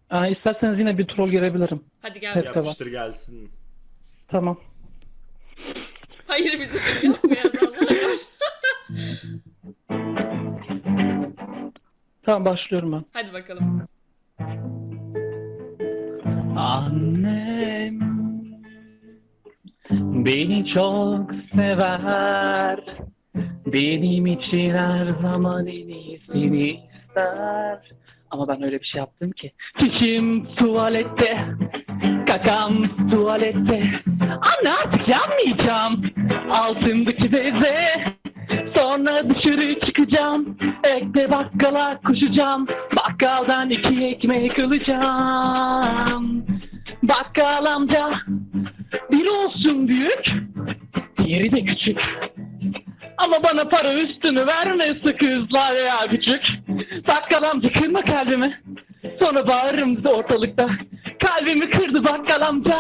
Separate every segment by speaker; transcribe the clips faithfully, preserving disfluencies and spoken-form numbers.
Speaker 1: Aa, isterseniz yine bir troll görebilirim.
Speaker 2: Hadi gel.
Speaker 1: Evet.
Speaker 2: bakalım.
Speaker 3: Yapıştır gelsin.
Speaker 1: Tamam.
Speaker 2: Hayır, bize bunu yapma yazanlar var.
Speaker 1: Tamam, başlıyorum ben.
Speaker 2: Hadi bakalım.
Speaker 1: Annem beni çok sever. Benim için her zaman en iyisini ister. Ama ben öyle bir şey yaptım ki. Çişim tuvalette, kakam tuvalette. Anne artık yanmayacağım. Altındaki beze. Sonra dışarı çıkacağım. Ekle bakkala koşacağım. Bakkaldan iki ekmek alacağım. Bakkal amca bir olsun büyük, diğeri de küçük. Ama bana para üstünü vermesi kızlar ya küçük. Bakkal amca kırma kalbimi. Sonra bağırırım ortalıkta. Kalbimi kırdı bakkal amca.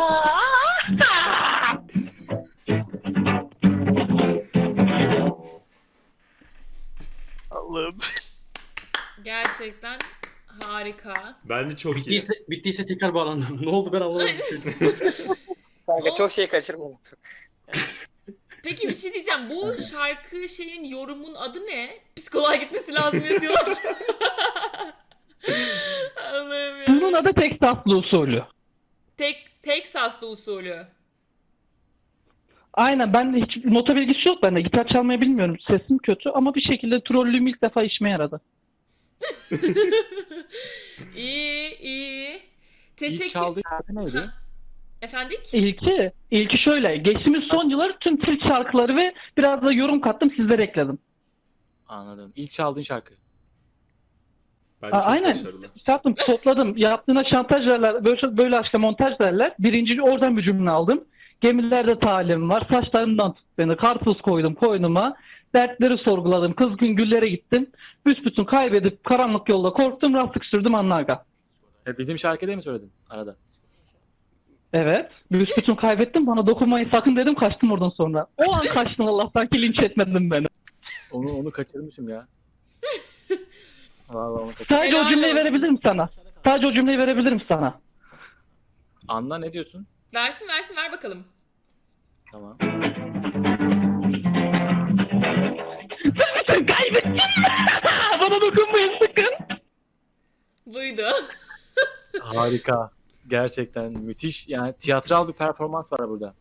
Speaker 4: Allah'ım.
Speaker 2: Gerçekten harika.
Speaker 3: Bence çok iyi.
Speaker 5: Bittiyse, bittiyse tekrar bağlandım. Ne oldu ben anlamadım.
Speaker 6: Kanka
Speaker 2: O-
Speaker 6: çok şey kaçırmadım.
Speaker 2: Peki bir şey diyeceğim. Bu şarkı şeyin yorumun adı ne? Psikoloğa gitmesi lazım yazıyorlar. Allah'ım ya.
Speaker 1: Bunun adı Teksaslı usulü.
Speaker 2: Tek, Teksaslı usulü.
Speaker 1: Aynen, ben de hiç nota bilgisi yok bende. Gitar çalmayı bilmiyorum. Sesim kötü ama bir şekilde trollüğüm ilk defa işime yaradı.
Speaker 2: İyi, iyi.
Speaker 4: İlk
Speaker 2: Teşekkür...
Speaker 4: çaldığı şarkı neydi?
Speaker 2: Ha. Efendik?
Speaker 1: İlki, ilki şöyle. Geçtiğimiz son yıllar tüm Türk şarkıları ve biraz da yorum kattım, sizlere ekledim.
Speaker 4: Anladım. İlk çaldığın şarkı.
Speaker 3: Bence
Speaker 1: Aa,
Speaker 3: çok
Speaker 1: aynen.
Speaker 3: başarılı.
Speaker 1: Şey yaptım, topladım. Yaptığına şantaj derler, böyle, böyle aşka montaj derler. Birinci oradan bir cümle aldım. Gemilerde talim var, saçlarından tut beni, karpuz koydum koynuma. Dertleri sorguladım, kızgın güllere gittim. Büsbütün kaybedip karanlık yolda korktum, rastlık sürdüm anlarga.
Speaker 4: E, bizim şarkı değil mi söyledin arada?
Speaker 1: Evet, büsbütün kaybettim, bana dokunmayın sakın dedim, kaçtım oradan sonra. O an kaçtım, Allah'tan ki linç etmedin beni.
Speaker 4: Onu onu kaçırmışım ya. Vallahi onu kaçırmışım.
Speaker 1: Sadece o
Speaker 2: Helal
Speaker 1: cümleyi
Speaker 2: olsun.
Speaker 1: verebilirim sana. Sadece o cümleyi verebilirim sana.
Speaker 4: Anla ne diyorsun?
Speaker 2: Versin versin ver bakalım.
Speaker 4: Tamam.
Speaker 1: Sen kaybettin mi? Bana dokunmayın sakın.
Speaker 2: Buydu.
Speaker 4: Harika. Gerçekten müthiş. Yani tiyatral bir performans var burada.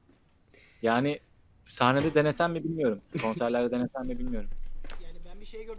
Speaker 4: Yani sahnede denesem mi bilmiyorum. Konserlerde denesem mi bilmiyorum.